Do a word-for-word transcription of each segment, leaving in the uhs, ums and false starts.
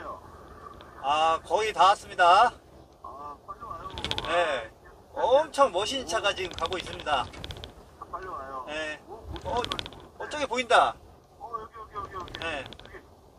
어디에요? 아, 거의 다 왔습니다. 아, 빨리 와요. 네. 엄청 멋있는 차가 지금 가고 있습니다. 아, 빨리 와요. 네. 어, 뭐, 어, 어, 저기 보인다. 어, 여기, 여기, 여기, 여기. 네. 여기.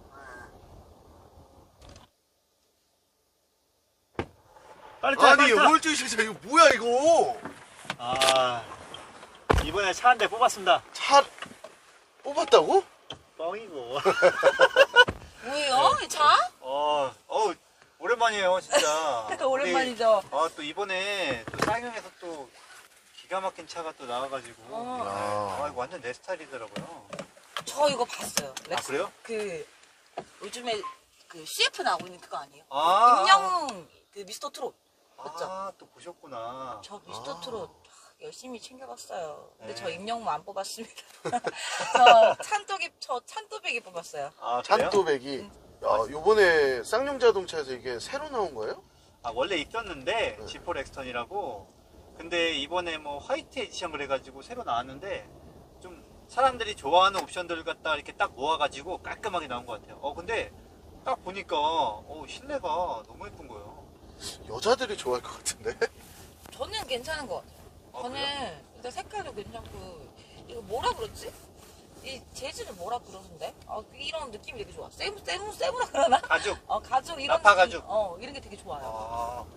네. 빨리 타, 아니 빨리 타. 홀쭉 진짜 이거 뭐야 이거? 아, 이번에 차 한 대 뽑았습니다. 차 뽑았다고? 뻥이고. 뭐예요? 이 차? 어, 어, 오랜만이에요, 진짜. 오랜만이죠. 우리, 아, 또 이번에 또 쌍용에서 또 기가 막힌 차가 또 나와가지고. 어. 아, 이거 완전 내 스타일이더라고요. 저 이거 봤어요. 아, 렉스. 그래요? 그 요즘에 그 씨에프 나오고 있는 그거 아니에요? 아. 임영웅 그 미스터 트롯. 맞죠? 아, 또 보셨구나. 저 미스터 아. 트롯 열심히 챙겨봤어요. 근데 네. 저 임영웅 안 뽑았습니다. 저 찬또기 저 찬또배기 뽑았어요. 아, 그래요? 찬또배기. 야, 요번에 쌍용 자동차에서 이게 새로 나온 거예요? 아, 원래 있었는데, 네. 지포 렉스턴이라고. 근데 이번에 뭐 화이트 에디션을 해가지고 새로 나왔는데, 좀 사람들이 좋아하는 옵션들을 갖다 이렇게 딱 모아가지고 깔끔하게 나온 것 같아요. 어, 근데 딱 보니까, 어, 실내가 너무 예쁜 거예요. 여자들이 좋아할 것 같은데? 저는 괜찮은 것 같아요. 아, 저는 그래요? 일단 색깔도 괜찮고 이거 뭐라 그러지? 이 재질을 뭐라 그러는데? 아, 이런 느낌이 되게 좋아. 세무 세무 세무라 그러나? 가죽. 어 가죽 이런 나파 느낌, 가죽. 어 이런 게 되게 좋아요. 아.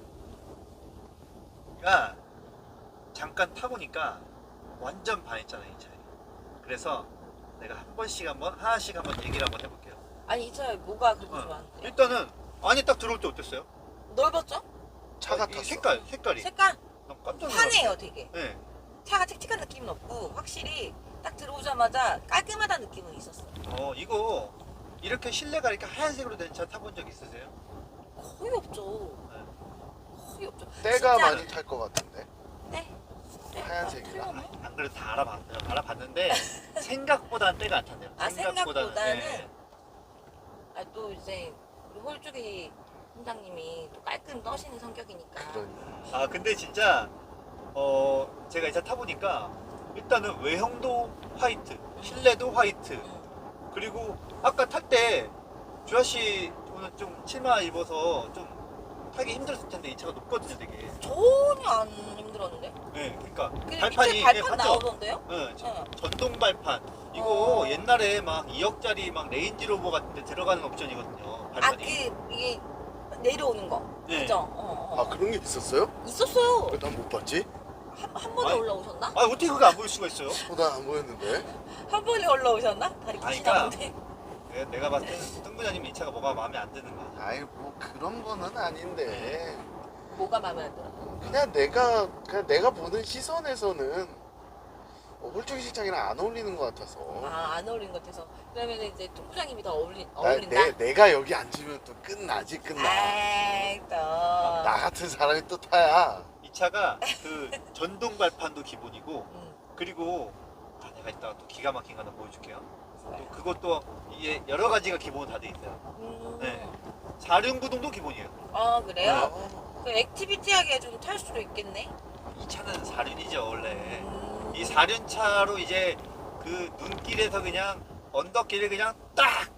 그러니까 잠깐 타보니까 완전 반했잖아요, 이 차에. 그래서 내가 한 번씩 한번, 하나씩 한번 얘기를 한번 해볼게요. 아니 이 차에 뭐가 그렇게 어. 좋아하는데? 일단은 안에 딱 들어올 때 어땠어요? 넓었죠? 차 이 같았어. 색깔, 색깔이. 색깔 난 깜짝 놀랐어요. 환해요 되게. 네. 차가 칙칙한 느낌은 없고 확실히 딱 들어오자마자 깔끔하다는 느낌은 있었어. 어, 이거 이렇게 실내가 이렇게 하얀색으로 된 차 타본 적 있으세요? 거의 없죠. 네. 거의 없죠. 때가 진짜- 많이 탈 것 같은데. 네. 네. 하얀색이라. 아, 틀렸네. 안 그래도 다 알아봤어요. 알아봤는데 생각보다는 때가 안 탔네요. 아, 생각보다는? 네. 아, 또 이제 우리 홀쭉이 팀장님이 또 깔끔 떠시는 성격이니까. 그런. 아, 근데 진짜 어 제가 이 차 타보니까 일단은 외형도 화이트, 실내도 화이트. 응. 그리고 아까 탈 때 주아씨 오늘 좀 치마 입어서 좀 타기 힘들었을 텐데 이 차가 높거든요, 되게. 전혀 안 힘들었는데. 네, 그러니까 근데 발판이 밑에 발판 네, 봤죠? 나오던데요? 네, 저- 응. 전동 발판. 이거 어. 옛날에 막 이억짜리 막 레인지로버 같은 데 들어가는 옵션이거든요. 아, 발판이. 그 이게 내려오는 거. 네. 그죠? 어, 어. 아 그런 게 있었어요? 있었어요. 왜 난 못 봤지? 한, 한 번에 아니. 올라오셨나? 아, 어떻게 그거 안 보일 수가 있어요? 어, 난안 보였는데. 한 번에 올라오셨나? 다리 아니, 기시나본데. 네, 내가 봤을 때는 뜬부자님 이 차가 뭐가 마음에 안 드는 거야. 아이 뭐 그런 거는 아닌데. 뭐가 마음에 안 들어? 그냥 내가 그냥 내가 보는 시선에서는 어, 홀쭉이 시장이랑 안 어울리는 것 같아서. 아, 안 어울리는 것 같아서. 그러면 이제 통부장님이 더 어울리, 나, 어울린다? 내, 내가 여기 앉으면 또 끝나지 끝나. 아이, 또. 나 같은 사람이 또 타야. 이 차가 그 전동 발판도 기본이고, 음, 그리고 아, 내가 이따가 또 기가 막힌 거 하나 보여줄게요. 또 좋아요. 그것도 이게 여러 가지가 기본 다 돼 있어요. 음. 네. 사륜구동도 기본이에요. 아, 그래요? 어, 그 액티비티하게 좀 탈 수도 있겠네? 이 차는 사륜이죠, 원래. 음. 이 사륜차로 이제 그 눈길에서 그냥 언덕길을 그냥 딱!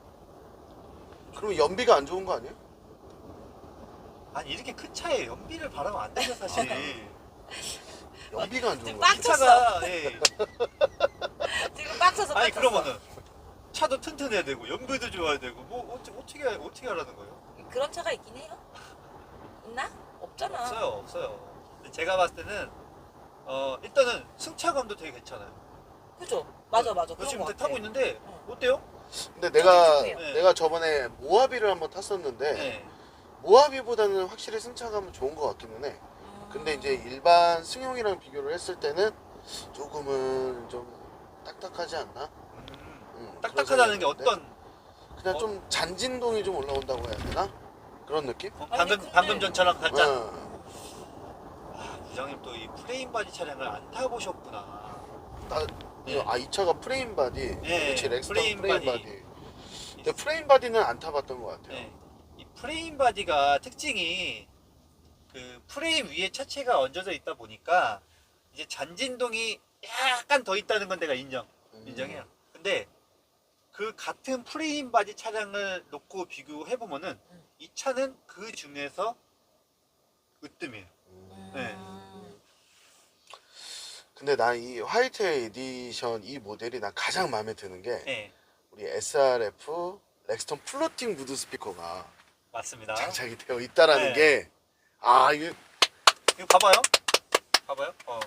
그럼 연비가 안 좋은 거 아니에요? 아니, 이렇게 큰 차에 연비를 바라면 안 되죠, 사실. 연비가 안 좋은 지금 거. 빡 이 차가, 예. 지금 빡쳐서 아니, 빡쳤어. 그러면은 차도 튼튼해야 되고, 연비도 좋아야 되고, 뭐, 어떻게, 어떻게, 어떻게 하라는 거예요? 그런 차가 있긴 해요? 있나? 없잖아. 없어요, 없어요. 근데 제가 봤을 때는, 어, 일단은 승차감도 되게 괜찮아요. 그죠? 맞아, 맞아. 저 그런 지금 거 같아. 타고 있는데, 응. 어때요? 근데 내가 좀 네. 내가 저번에 모하비를 한번 탔었는데 네. 모하비보다는 확실히 승차감은 좋은 것 같기는 해. 음. 근데 이제 일반 승용이랑 비교를 했을 때는 조금은 좀 딱딱하지 않나? 음, 음, 딱딱하다는 게 그런 생각이 어떤, 그냥 어? 좀 잔진동이 좀 올라온다고 해야 되나? 그런 느낌? 어, 아니, 방금, 근데- 방금 전처럼 살짝. 응. 아, 부장님 또 이 프레임 바디 차량을 안 타보셨구나. 나, 네. 아, 이 차가 프레임 바디. 네, 그렇지, 렉스턴 프레임 프레임, 바디. 바디. 근데 프레임 바디는 안 타봤던 것 같아요. 네. 이 프레임 바디가 특징이 그 프레임 위에 차체가 얹어져 있다 보니까 이제 잔진동이 약간 더 있다는 건 내가 인정, 음. 인정해요. 근데 그 같은 프레임 바디 차량을 놓고 비교해 보면은 음. 이 차는 그 중에서 으뜸이에요. 음. 네. 음. 근데 난 이 화이트 에디션 이 모델이 난 가장 마음에 드는 게 네, 우리 에스알에프 렉스턴 플로팅 무드 스피커가 맞습니다. 장착이 되어 있다라는 네. 게 아 이게 이거 봐봐요. 봐봐요. 어.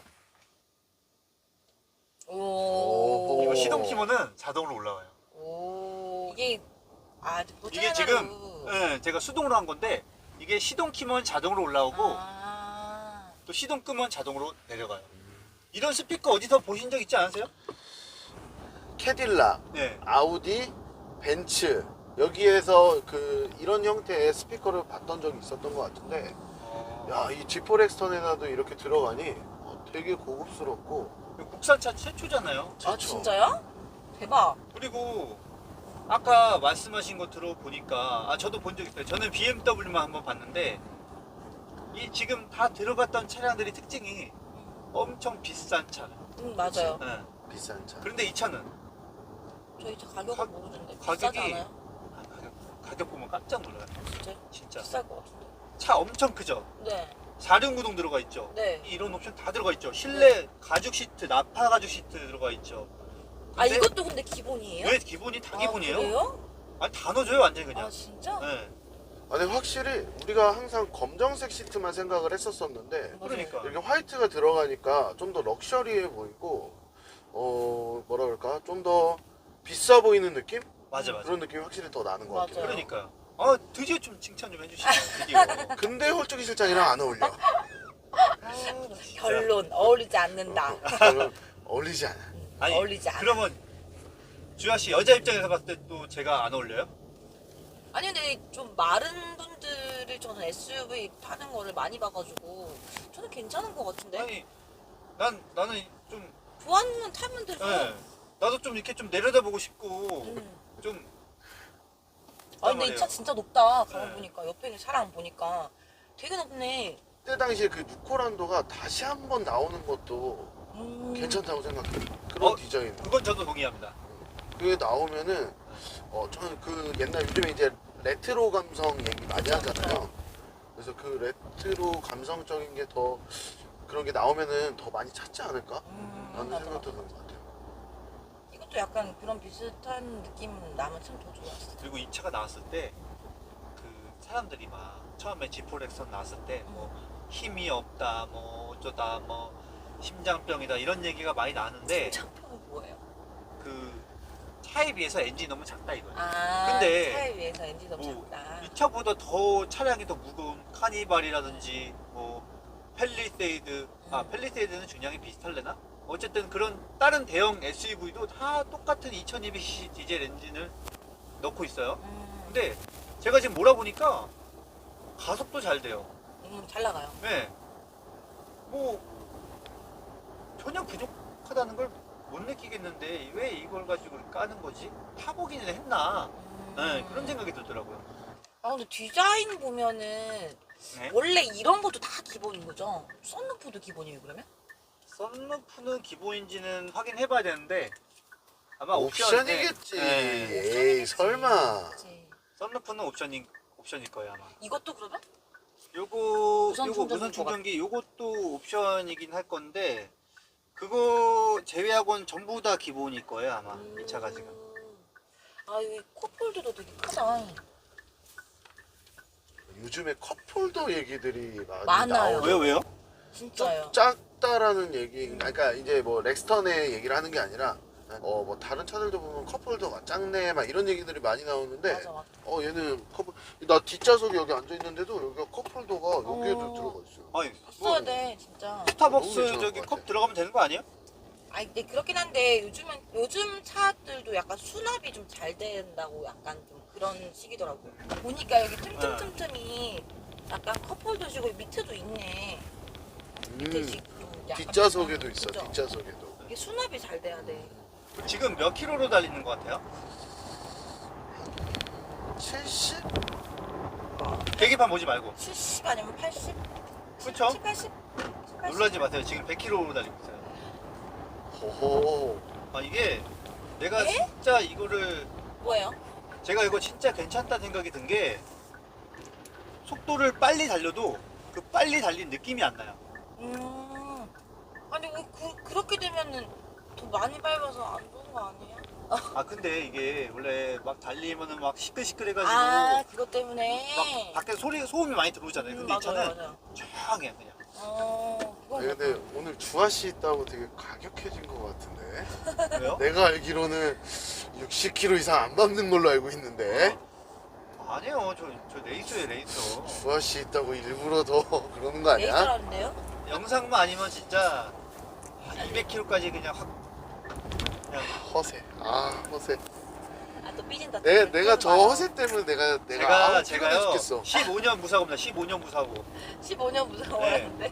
오. 이거 시동 키면은 자동으로 올라와요. 오. 이게 아 이게 지금 네, 제가 수동으로 한 건데 이게 시동 키면 자동으로 올라오고 아. 또 시동 끄면 자동으로 내려가요. 이런 스피커 어디서 보신 적 있지 않으세요? 캐딜락, 네. 아우디, 벤츠 여기에서 그 이런 형태의 스피커를 봤던 적이 있었던 것 같은데 어, 야 이 지포 렉스턴에나도 이렇게 들어가니 어, 되게 고급스럽고 이거 국산차 최초잖아요. 아 좋죠. 진짜요? 대박. 그리고 아까 말씀하신 거 들어보니까 아 저도 본 적 있어요. 저는 비엠더블유만 한번 봤는데 이 지금 다 들어갔던 차량들이 특징이 엄청 비싼 차. 음 맞아요. 네. 비싼 차. 그런데 이 차는 저희 차 가격을 가- 모르는데 가격이- 비싸지 않아요? 아, 가격, 가격 보면 깜짝 놀라요. 진짜 진짜. 비쌀 것 같은데. 차 엄청 크죠? 네. 사륜구동 들어가 있죠? 네. 이런 옵션 다 들어가 있죠? 실내 가죽 시트, 나파 가죽 시트 들어가 있죠? 아 근데 이것도 근데 기본이에요? 왜 기본이 다 아, 기본이에요? 그래요? 아니 다 넣어줘요 완전히 그냥. 아 진짜? 네. 아, 근데 확실히 우리가 항상 검정색 시트만 생각을 했었었는데 맞아요. 그러니까. 이렇게 화이트가 들어가니까 좀 더 럭셔리해 보이고 어 뭐라 그럴까 좀 더 비싸 보이는 느낌? 맞아 맞아. 그런 느낌이 확실히 더 나는 것 맞아요. 같아요. 그러니까요. 아 드디어 좀 칭찬 좀 해주시네요. 드디어. 근데 홀쭉이 실장이랑 안 어울려. 아, 결론 어울리지 않는다. 별로 어울리지 않아. 아니 어울리지 않아. 그러면 주아 씨 여자 입장에서 봤을 때 또 제가 안 어울려요? 아니 근데 좀 마른 분들이 저는 에스유브이 타는 거를 많이 봐가지고 저는 괜찮은 것 같은데. 아니 난 나는 좀 좋아하는 타면 되죠. 예, 나도 좀 이렇게 좀 내려다보고 싶고 음. 좀. 아 근데 이 차 진짜 높다. 가만 네. 보니까 옆에 있는 차랑 보니까 되게 높네. 그때 당시에 그 누코란도가 다시 한번 나오는 것도 음. 괜찮다고 생각해요. 그런 어? 디자인. 그건 저도 동의합니다. 그게 나오면은 어 저는 그 옛날 요즘에 이제 레트로 감성 얘기 많이 하잖아요. 그래서 그 레트로 감성적인 게 더 그런 게 나오면은 더 많이 찾지 않을까? 음, 라는 맞아, 생각도 맞아. 드는 것 같아요. 이것도 약간 그런 비슷한 느낌 나면 참 더 좋았어. 그리고 이 차가 나왔을 때 그 사람들이 막 처음에 지포렉선 나왔을 때 뭐 힘이 없다 뭐 어쩌다 뭐 심장병이다 이런 얘기가 많이 나는데 창평이 뭐예요? 그 차에 비해서 엔진이 너무 작다 이거예요. 아, 근데 차에 비해서 엔진 너무 뭐 작다. 이 차보다 더 차량이 더 무거운 카니발이라든지 뭐 펠리세이드 아 음. 펠리세이드는 중량이 비슷할래나? 어쨌든 그런 다른 대형 에스유브이도 다 똑같은 이천이백 씨씨 디젤 엔진을 넣고 있어요. 음, 근데 제가 지금 몰아보니까 가속도 잘 돼요. 음, 잘 나가요. 네. 뭐 전혀 부족하다는 걸 못 느끼겠는데 왜 이걸 가지고 까는 거지? 타보기는 했나? 음. 네, 그런 생각이 들더라고요. 아 근데 디자인 보면은 네. 원래 이런 것도 다 기본인 거죠? 썬루프도 기본이에요 그러면? 썬루프는 기본인지는 확인해봐야 되는데 아마 옵션, 옵션이겠지. 네. 네. 에이 옵션이겠지. 설마. 그치. 썬루프는 옵션인 옵션일 거예요 아마. 이것도 그러면? 요거 무선 요거 충전기 무선 충전기 요것도 옵션이긴 할 건데 그거 제외하고는 전부 다 기본일 거예요 아마 이 차가 지금. 아 여기 컵홀더도 되게 크다. 요즘에 컵홀더 얘기들이 많이 많아요. 나오죠. 왜요 왜요? 진짜요. 작다라는 얘기, 그러니까 이제 뭐 렉스턴의 얘기를 하는 게 아니라 어 뭐 다른 차들도 보면 컵홀더가 작네 막 이런 얘기들이 많이 나오는데 맞아 맞아. 어 얘는 컵, 나 뒷좌석에 여기 앉아 있는데도 여기가 컵홀더가 여기에도 어. 들어가 있어요. 아니 있어야 돼 진짜. 스타벅스 너무 괜찮을 저기 것 컵 같아. 들어가면 되는 거 아니에요? 아니 근데 그렇긴 한데 요즘은 요즘 차들도 약간 수납이 좀 잘 된다고 약간 좀 그런 식이더라고. 보니까 여기 틈틈틈틈이 약간 컵홀더시고 밑에도 있네. 밑에 음, 식도 약간 뒷좌석에도 비슷한- 있어. 그죠? 뒷좌석에도. 이게 수납이 잘 돼야 돼. 지금 몇 킬로로 달리는 것 같아요? 칠십? 계기판 보지 말고. 칠십 아니면 팔십? 그쵸? 칠십, 팔십? 놀라지 마세요. 지금 백 킬로로 달리고 있어요. 호호. 아 이게 내가 에? 진짜 이거를 뭐예요? 제가 이거 진짜 괜찮다 생각이 든 게 속도를 빨리 달려도 그 빨리 달린 느낌이 안 나요. 음. 아니 왜 그, 그렇게 되면은 더 많이 밟아서 안 좋은 거 아니에요? 아 근데 이게 원래 막 달리면은 막 시끌시끌해가지고 아 그것 때문에. 막 밖에 소리 소음이 많이 들어오잖아요. 근데 음, 이 차는 맞아요, 맞아요. 조용해 그냥. 어, 그거 아니, 근데 오늘 주아 씨 있다고 되게 가격해진 것 같은데. 왜요? 내가 알기로는 육십 킬로미터 이상 안 밟는 걸로 알고 있는데. 아니요, 저, 저 레이서예요, 레이서. 주아 씨 있다고 일부러 더 그러는 거 아니야? 레이저라는데요? 영상만 아니면 진짜 이백 킬로미터까지 그냥 확 그냥 허세. 아 허세. 아 또 삐진다. 내 또 내가 저 봐요. 허세 때문에 내가 내가 제가 아우 피곤해 제가요 죽겠어. 십오 년 무사고입니다. 십오 년 무사고. 십오 년 무서워하는데.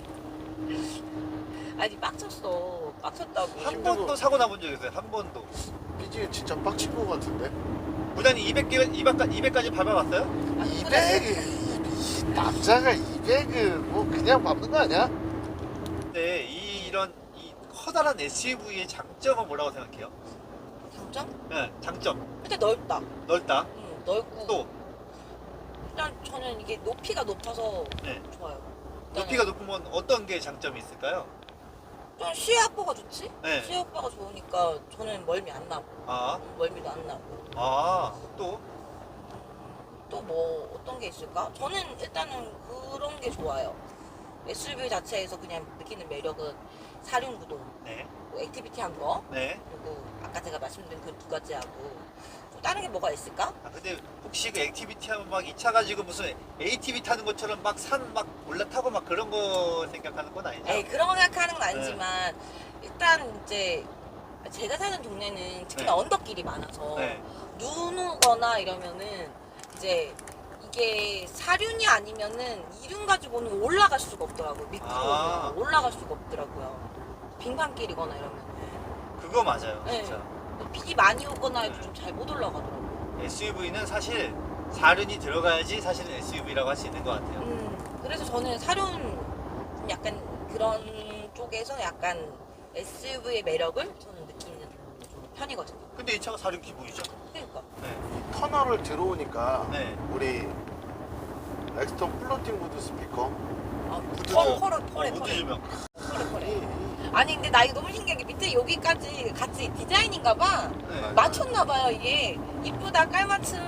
아니 빡쳤어. 빡쳤다고. 한 힘든 번도 거. 사고 나본 적 있어요. 한 번도. 삐지 진짜 빡친 것 같은데. 부단이 이백 개 이백까지 이백까지 밟아봤어요? 이백 이 남자가 이백은 뭐 그냥 밟는 거 아니야? 근데 이 이런 이 커다란 에스유브이의 장점은 뭐라고 생각해요? 장점? 네, 장점. 근데 넓다. 넓다. 응, 넓고. 또 일단 저는 이게 높이가 높아서 네. 좋아요. 높이가 높으면 어떤 게 장점이 있을까요? 좀 시야 확보가 좋지? 네. 시야 확보가 좋으니까 저는 멀미 안 나고 아, 멀미도 안 나고. 아, 또 또 뭐 어떤 게 있을까? 저는 일단은 그런 게 좋아요. 에스유브이 자체에서 그냥 느끼는 매력은 사륜구동, 네, 뭐 액티비티한 거, 네. 그리고 아까 제가 말씀드린 그 두 가지하고 또 다른 게 뭐가 있을까? 아 근데 혹시 그 액티비티 하면 막 이 차 가지고 무슨 에이티브이 타는 것처럼 막 산 막 올라타고 막 그런 거 생각하는 건 아니죠? 에이 그런 거 생각하는 건 아니지만 일단 이제 제가 사는 동네는 특히나 네. 언덕길이 많아서 네. 눈 오거나 이러면은 이제 이게 사륜이 아니면은 이륜 가지고는 올라갈 수가 없더라고요. 밑으로 아. 올라갈 수가 없더라고요. 빙판길이거나 이러면은 그거 맞아요, 네. 진짜. 비 많이 오거나 해도 좀 잘 못 올라가더라고요. 에스유브이는 사실 사륜이 들어가야지 사실은 에스유브이라고 할 수 있는 것 같아요. 음, 그래서 저는 사륜 좀 약간 그런 쪽에서 약간 에스유브이의 매력을 저는 느끼는 좀 편이거든요. 근데 이 차가 사륜 기본이죠. 그러니까. 네. 터널을 들어오니까 네. 우리 렉스턴 플로팅 무드 스피커 아, 무드 펄, 좀- 펄을, 어, 펄에, 무드 펄에. 조명. 펄에, 펄에. 이- 아니, 근데 나 이거 너무 신기한 게 밑에 여기까지 같이 디자인인가 봐. 네. 맞췄나 봐요, 이게. 이쁘다, 깔맞춤.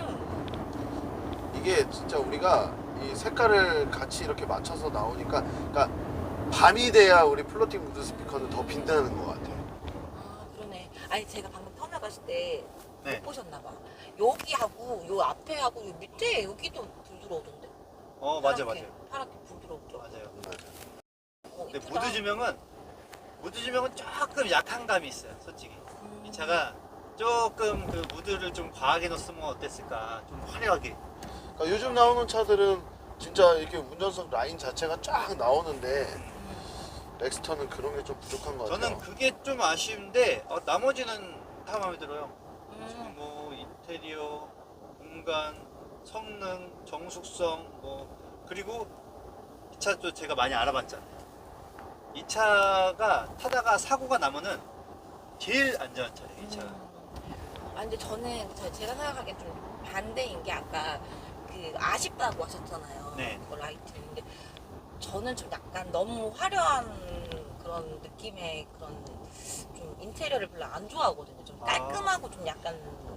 이게 진짜 우리가 이 색깔을 같이 이렇게 맞춰서 나오니까 그러니까 밤이 돼야 우리 플로팅 무드 스피커는 더 빛나는 것 같아. 아, 그러네. 아니, 제가 방금 터널 갔을 때 못 네. 보셨나 봐. 여기하고, 요 앞에하고, 요 밑에 여기도 불 들어오던데. 어, 맞아, 파랗게, 맞아요. 파랗게 불 들어오죠. 맞아요. 맞아. 어, 근데 이쁘다. 무드 조명은 무드 조명은 조금 약한 감이 있어요, 솔직히. 음. 이 차가 조금 그 무드를 좀 과하게 넣었으면 어땠을까? 좀 화려하게. 그러니까 요즘 나오는 차들은 진짜 이렇게 운전석 라인 자체가 쫙 나오는데 음. 렉스턴은 그런 게 좀 부족한 것 같아요. 저는 그게 좀 아쉬운데 어, 나머지는 다 마음에 들어요. 음. 뭐 인테리어, 공간, 성능, 정숙성 뭐 그리고 이 차도 제가 많이 알아봤잖아요. 이 차가 타다가 사고가 나면은 제일 안전한 차예요, 이 차가. 음. 아 근데 저는 저- 제가 생각하기엔 좀 반대인 게 아까 그 아쉽다고 하셨잖아요. 네. 그 라이트. 근데 저는 좀 약간 너무 화려한 그런 느낌의 그런 좀 인테리어를 별로 안 좋아하거든요. 좀 아. 깔끔하고 좀 약간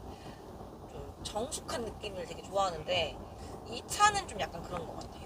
좀 정숙한 느낌을 되게 좋아하는데 이 차는 좀 약간 그런 것 같아요.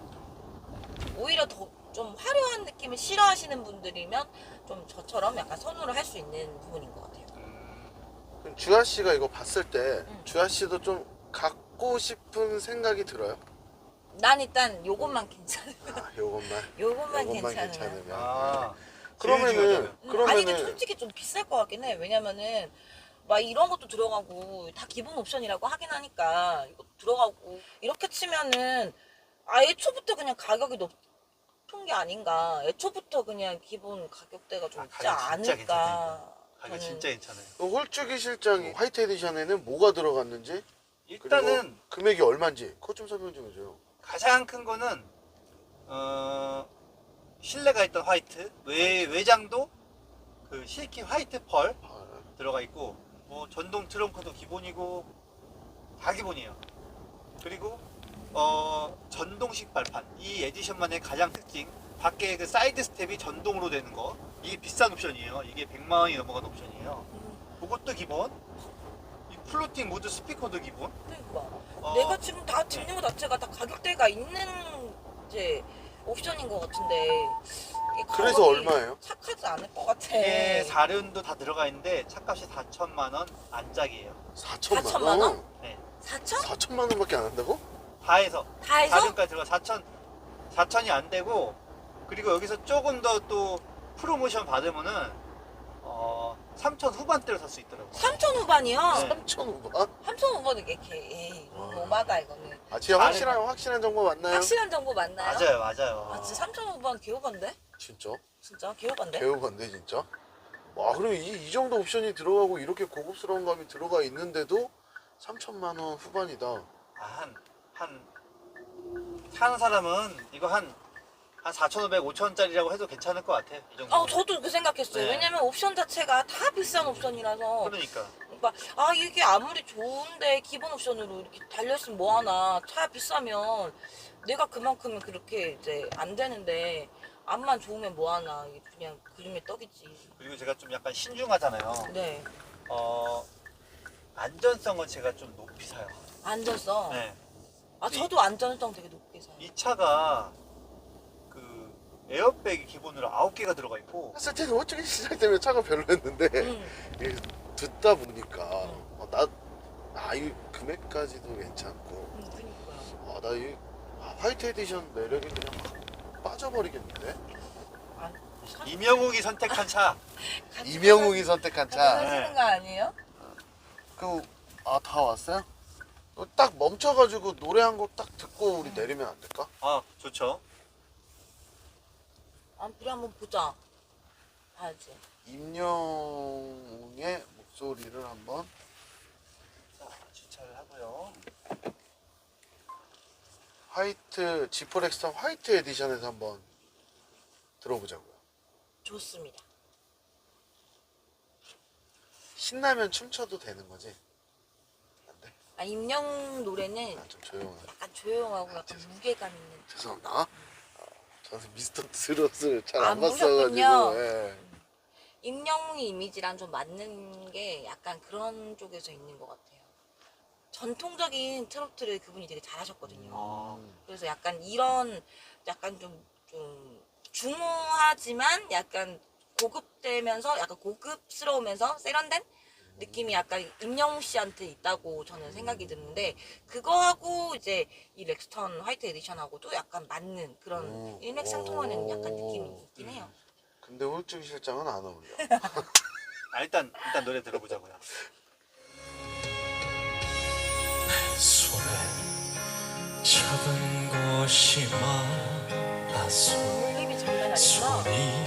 오히려 더 좀 화려한 느낌을 싫어하시는 분들이면 좀 저처럼 약간 선호를 할 수 있는 부분인 것 같아요. 그럼 주아 씨가 이거 봤을 때 응. 주아 씨도 좀 갖고 싶은 생각이 들어요? 난 일단 요것만 괜찮으면 아, 요것만. 요것만 요것만 괜찮으면 괜찮으면. 아, 그러면은 제일 중요하잖아요. 음, 그러면은 아니 근데 솔직히 좀 비쌀 것 같긴 해. 왜냐면은 막 이런 것도 들어가고 다 기본 옵션이라고 하긴 하니까 이거 들어가고 이렇게 치면은 아 애초부터 그냥 가격이 높은 게 아닌가. 애초부터 그냥 기본 가격대가 좀 아, 있지 가격 진짜 않을까. 가격 저는- 진짜 괜찮아요. 그 홀쭉이 실장 화이트 에디션에는 뭐가 들어갔는지 일단은 그리고 금액이 얼마인지 그것 좀 설명 좀 해줘요. 가장 큰 거는 어, 실내가 있던 화이트 외, 외장도 그 실키 화이트 펄 아, 들어가 있고 뭐 전동 트렁크도 기본이고 다 기본이에요. 그리고 어 전동식 발판, 이 에디션만의 가장 특징, 밖에 그 사이드 스텝이 전동으로 되는 거, 이게 비싼 옵션이에요. 이게 백만 원이 넘어간 옵션이에요. 그것도 기본. 이 플로팅 모드 스피커도 기본. 그러니까 어, 내가 지금 다 듣는 것 자체가 다 가격대가 있는 이제 옵션인 것 같은데 이게 그래서 가격이 얼마예요? 착하지 않을 것 같아. 이게 사륜도 다 들어가 있는데 차값이 사천만 원 안짝이에요. 사천만 사천만 원? 원? 네. 사천? 사천만 원밖에 안 한다고? 다 해서 다 해서? 사륜까지 들어가 사천 사천이 안 되고, 그리고 여기서 조금 더 또 프로모션 받으면은 어 삼천 후반대로 살 수 있더라고요. 삼천 후반이요? 네. 삼천 원? 삼천 후반은 이게 개 에이 와. 너무하다 이거는. 아 진짜 아, 확실한 확실한 정보 맞나요? 확실한 정보 맞나요? 맞아요, 맞아요. 아 진짜 삼천 후반 개호반데? 진짜? 진짜 개호반데? 개우반데 진짜? 와 그럼 이, 이 정도 옵션이 들어가고 이렇게 고급스러운 감이 들어가 있는데도 삼천만 원 후반이다. 아, 한, 한, 사는 사람은 이거 한, 한 사천오백, 오천원짜리라고 해도 괜찮을 것 같아요. 이 정도. 아 저도 그 생각했어요. 네. 왜냐면 옵션 자체가 다 비싼 옵션이라서. 그러니까. 그러니까 아 이게 아무리 좋은데 기본 옵션으로 이렇게 달려있으면 뭐하나. 차 비싸면 내가 그만큼은 그렇게 이제 안 되는데 앞만 좋으면 뭐하나. 이게 그냥 그림의 떡이지. 그리고 제가 좀 약간 신중하잖아요. 네. 어, 안전성은 제가 좀 높이 사요. 안전성. 네. 아 저도 안전성 되게 높게 사요. 이 차가 그 에어백이 기본으로 아홉 개가 들어가 있고, 했을 때는 어떻게 시작 때문에 차가 별로였는데 음. 이게 듣다 보니까 어, 나, 아, 이 금액까지도 괜찮고 음, 그니까요. 아, 나 이 화이트 에디션 매력이 그냥 확 빠져버리겠는데? 아, 이명욱이 선택한 차. 같이 이명욱이 선택한 같이 차. 사시는 거 아니에요? 그, 아, 다 왔어요? 어, 딱 멈춰가지고 노래 한 곡 딱 듣고 우리 내리면 안 될까? 아, 좋죠. 아 우리 한번 보자. 봐야지. 임영웅의 목소리를 한번. 자, 주차를 하고요. 화이트, 지포 렉스턴 화이트 에디션에서 한번 들어보자고요. 좋습니다. 신나면 춤춰도 되는 거지? 안 돼? 아 임영웅 노래는 아, 좀 조용해. 약간 조용하고 약간 죄송- 무게감 있는. 죄송합니다. 아, 저는 미스터 트롯을 잘 아, 안 모르셨군요. 봤어가지고. 예. 임영웅의 이미지랑 좀 맞는 게 약간 그런 쪽에서 있는 것 같아요. 전통적인 트로트를 그분이 되게 잘하셨거든요. 아, 그래서 약간 이런 약간 좀, 좀 중후하지만 약간 고급되면서 약간 고급스러우면서 세련된 느낌이 약간 임영웅 씨한테 있다고 저는 생각이 드는데, 그거하고 이제 이 렉스턴 화이트 에디션하고도 약간 맞는 그런 오. 일맥상통하는 약간 오. 느낌이 있긴 해요. 근데 홀쭉 실장은 안 어울려. 아, 일단, 일단 노래 들어보자고요. 손에 잡은 것이 많아서 볼륨이 장난 아니구나. 손이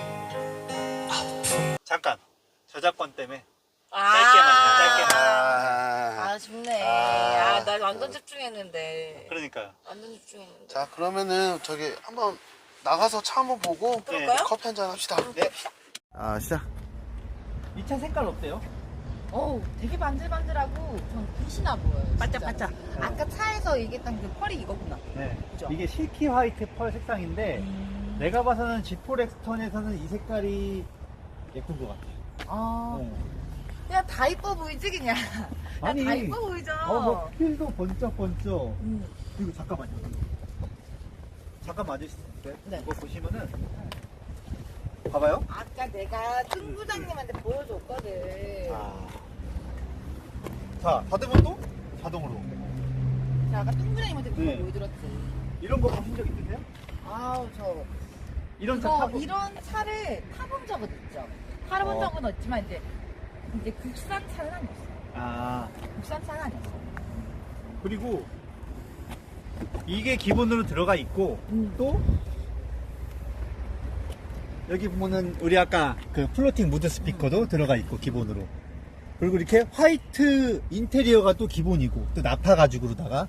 아픈 잠깐. 저작권 때문에. 아, 짧게만, 짧게만. 아, 아 좋네. 아. 아, 나 완전 집중했는데. 그러니까요. 완전 집중했는데. 자, 그러면은 저기 한번 나가서 차 한번 보고 그럴까요? 커피 한잔 합시다. 네. 아, 시작. 이 차 색깔 어때요? 어우, 되게 반질반질하고 전 빛이나 보여요. 반짝반짝. 진짜. 아까 차에서 얘기했던 그 펄이 이거구나. 네. 그죠? 이게 실키 화이트 펄 색상인데, 내가 봐서는 지포 렉스턴에서는 이 색깔이 예쁜 것 같아요. 아, 네. 그냥 다 이뻐 보이지, 그냥. 아니, 다 이뻐 보이죠? 어, 뭐, 필도 번쩍번쩍. 음. 그리고 잠깐만요. 잠깐 맞으실게요. 네. 이거 보시면은, 봐봐요. 아까 내가 승 부장님한테 보여줬거든. 아. 자, 닫으면 또 자동으로. 자, 아까 승 부장님한테 그거 네. 보여드렸지. 이런 거 보신 적 있으세요? 아우, 저. 이런 차 이거, 타보 이런 차를 타본 적은 있죠. 타본 어. 적은 없지만, 이제, 이제 국산 차는 아니었어. 아, 국산 차는 아니었어. 그리고 이게 기본으로 들어가 있고, 음. 또 여기 보면은 우리 아까 그 플로팅 무드 스피커도 들어가 있고 기본으로, 그리고 이렇게 화이트 인테리어가 또 기본이고, 또 나파 가죽으로다가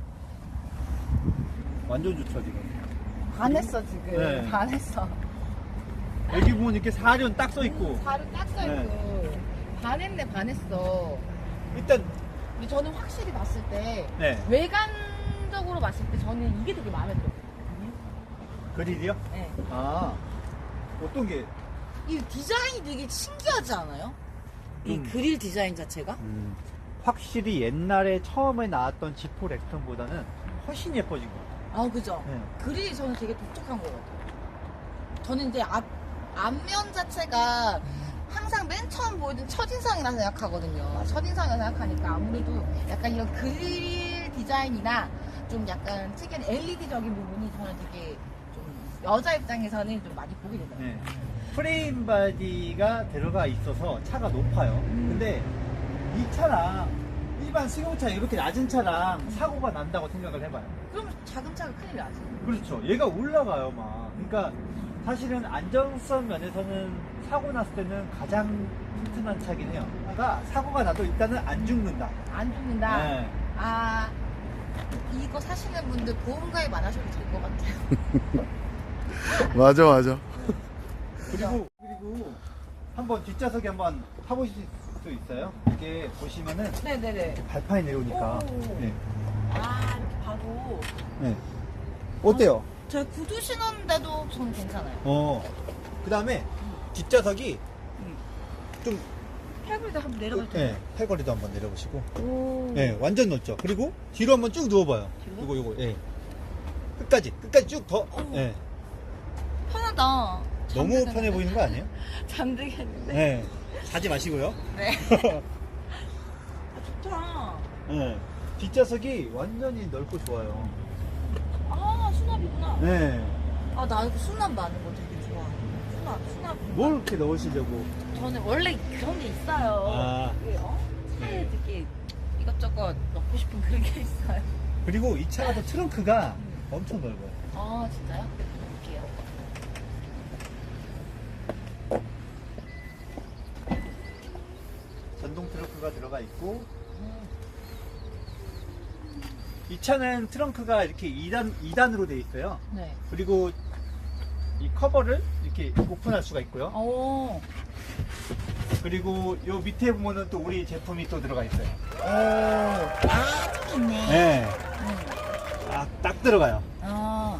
완전 좋죠 지금. 반했어, 지금. 네. 반했어. 여기 보면 이렇게 사륜 딱 써 있고, 바로 딱 써있고. 반했네 반했어. 일단 근데 저는 확실히 봤을 때 네 외관적으로 봤을 때 저는 이게 되게 마음에 들었거든요. 그릴이요? 네. 아 어떤 게? 이 디자인이 되게 신기하지 않아요? 이 음. 그릴 디자인 자체가? 음, 확실히 옛날에 처음에 나왔던 지포 렉스턴보다는 훨씬 예뻐진 것 같아요. 아 그죠? 네. 그릴이 저는 되게 독특한 것 같아요. 저는 이제 앞, 앞면 자체가 항상 맨 처음 보여준 첫인상이라 생각하거든요. 첫인상이라 생각하니까 아무래도 약간 이런 그릴 디자인이나 좀 약간 특이한 엘이디적인 부분이 저는 되게 좀 여자 입장에서는 좀 많이 보게 되더라고요. 네. 프레임 바디가 들어가 있어서 차가 높아요. 근데 이 차랑 일반 승용차 이렇게 낮은 차랑 사고가 난다고 생각을 해봐요. 그럼 작은 차가 큰일 나지. 그렇죠. 얘가 올라가요, 막. 그러니까 사실은 안정성 면에서는 사고 났을 때는 가장 튼튼한 차긴 해요. 그러니까 사고가 나도 일단은 안 죽는다. 안 죽는다. 네. 아 이거 사시는 분들 보험 가입 안 하셔도 될 것 같아요. 맞아 맞아. 그리고 그리고 한번 뒷좌석에 한번 타보실 수 있어요? 이게 보시면은 네네네. 발판이 내려오니까. 오. 네. 아 이렇게 봐도 네. 어때요? 저 구두 신었는데도 저는 괜찮아요. 어. 그 다음에 뒷좌석이 좀 팔걸이도 한번 내려갈 때. 네, 팔걸이도 한번 내려보시고. 오. 네, 완전 넓죠. 그리고 뒤로 한번 쭉 누워봐요. 뒤로? 이거 이거. 예. 끝까지 끝까지 쭉 더. 예. 편하다. 너무 잠들겠는데? 편해 보이는 거 아니에요? 잠들겠는데. 네. 자지 마시고요. 네. 아, 좋다. 네. 뒷좌석이 완전히 넓고 좋아요. 아 수납이구나. 네. 아 나 이거 수납 많은 거 되게 좋아. 수납 수납. 뭘 이렇게 넣으시려고? 저는 원래 그런 게 있어요. 아. 그, 어? 차에 되게 이것저것 넣고 싶은 그런 게 있어요. 그리고 이 차가 또 트렁크가 엄청 넓어요. 아 진짜요? 볼게요. 전동 트렁크가 들어가 있고 이 차는 트렁크가 이렇게 이 단, 이 단으로 되어 있어요. 네. 그리고 이 커버를 이렇게 오픈할 수가 있고요. 오. 그리고 요 밑에 보면은 또 우리 제품이 또 들어가 있어요. 오. 아, 좀 있네. 네. 응. 아, 딱 들어가요. 아.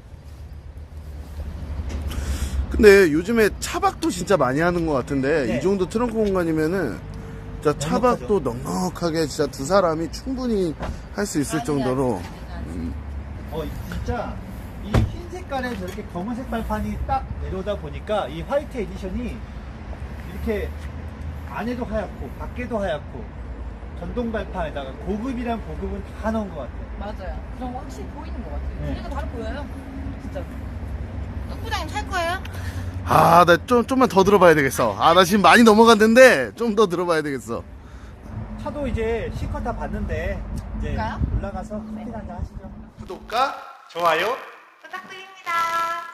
근데 요즘에 차박도 진짜 많이 하는 것 같은데 네. 이 정도 트렁크 공간이면은 진짜 차박도 넉넉하게 진짜 두 사람이 충분히 할 수 있을 정도로. 어, 진짜 이 흰 색깔에 저렇게 검은색 발판이 딱 내려오다 보니까 이 화이트 에디션이 이렇게 안에도 하얗고 밖에도 하얗고 전동 발판에다가 고급이란 고급은 다 넣은 것 같아요. 맞아요. 그럼 확실히 보이는 것 같아요. 네. 그리고 바로 보여요. 진짜. 똥부장님 살 거예요? 아, 나 좀 좀만 더 들어봐야 되겠어. 아, 나 지금 많이 넘어갔는데 좀 더 들어봐야 되겠어. 차도 이제 실컷 다 봤는데 이제 볼까요? 올라가서 커피 한잔 하시죠. 구독과 좋아요. 부탁드립니다.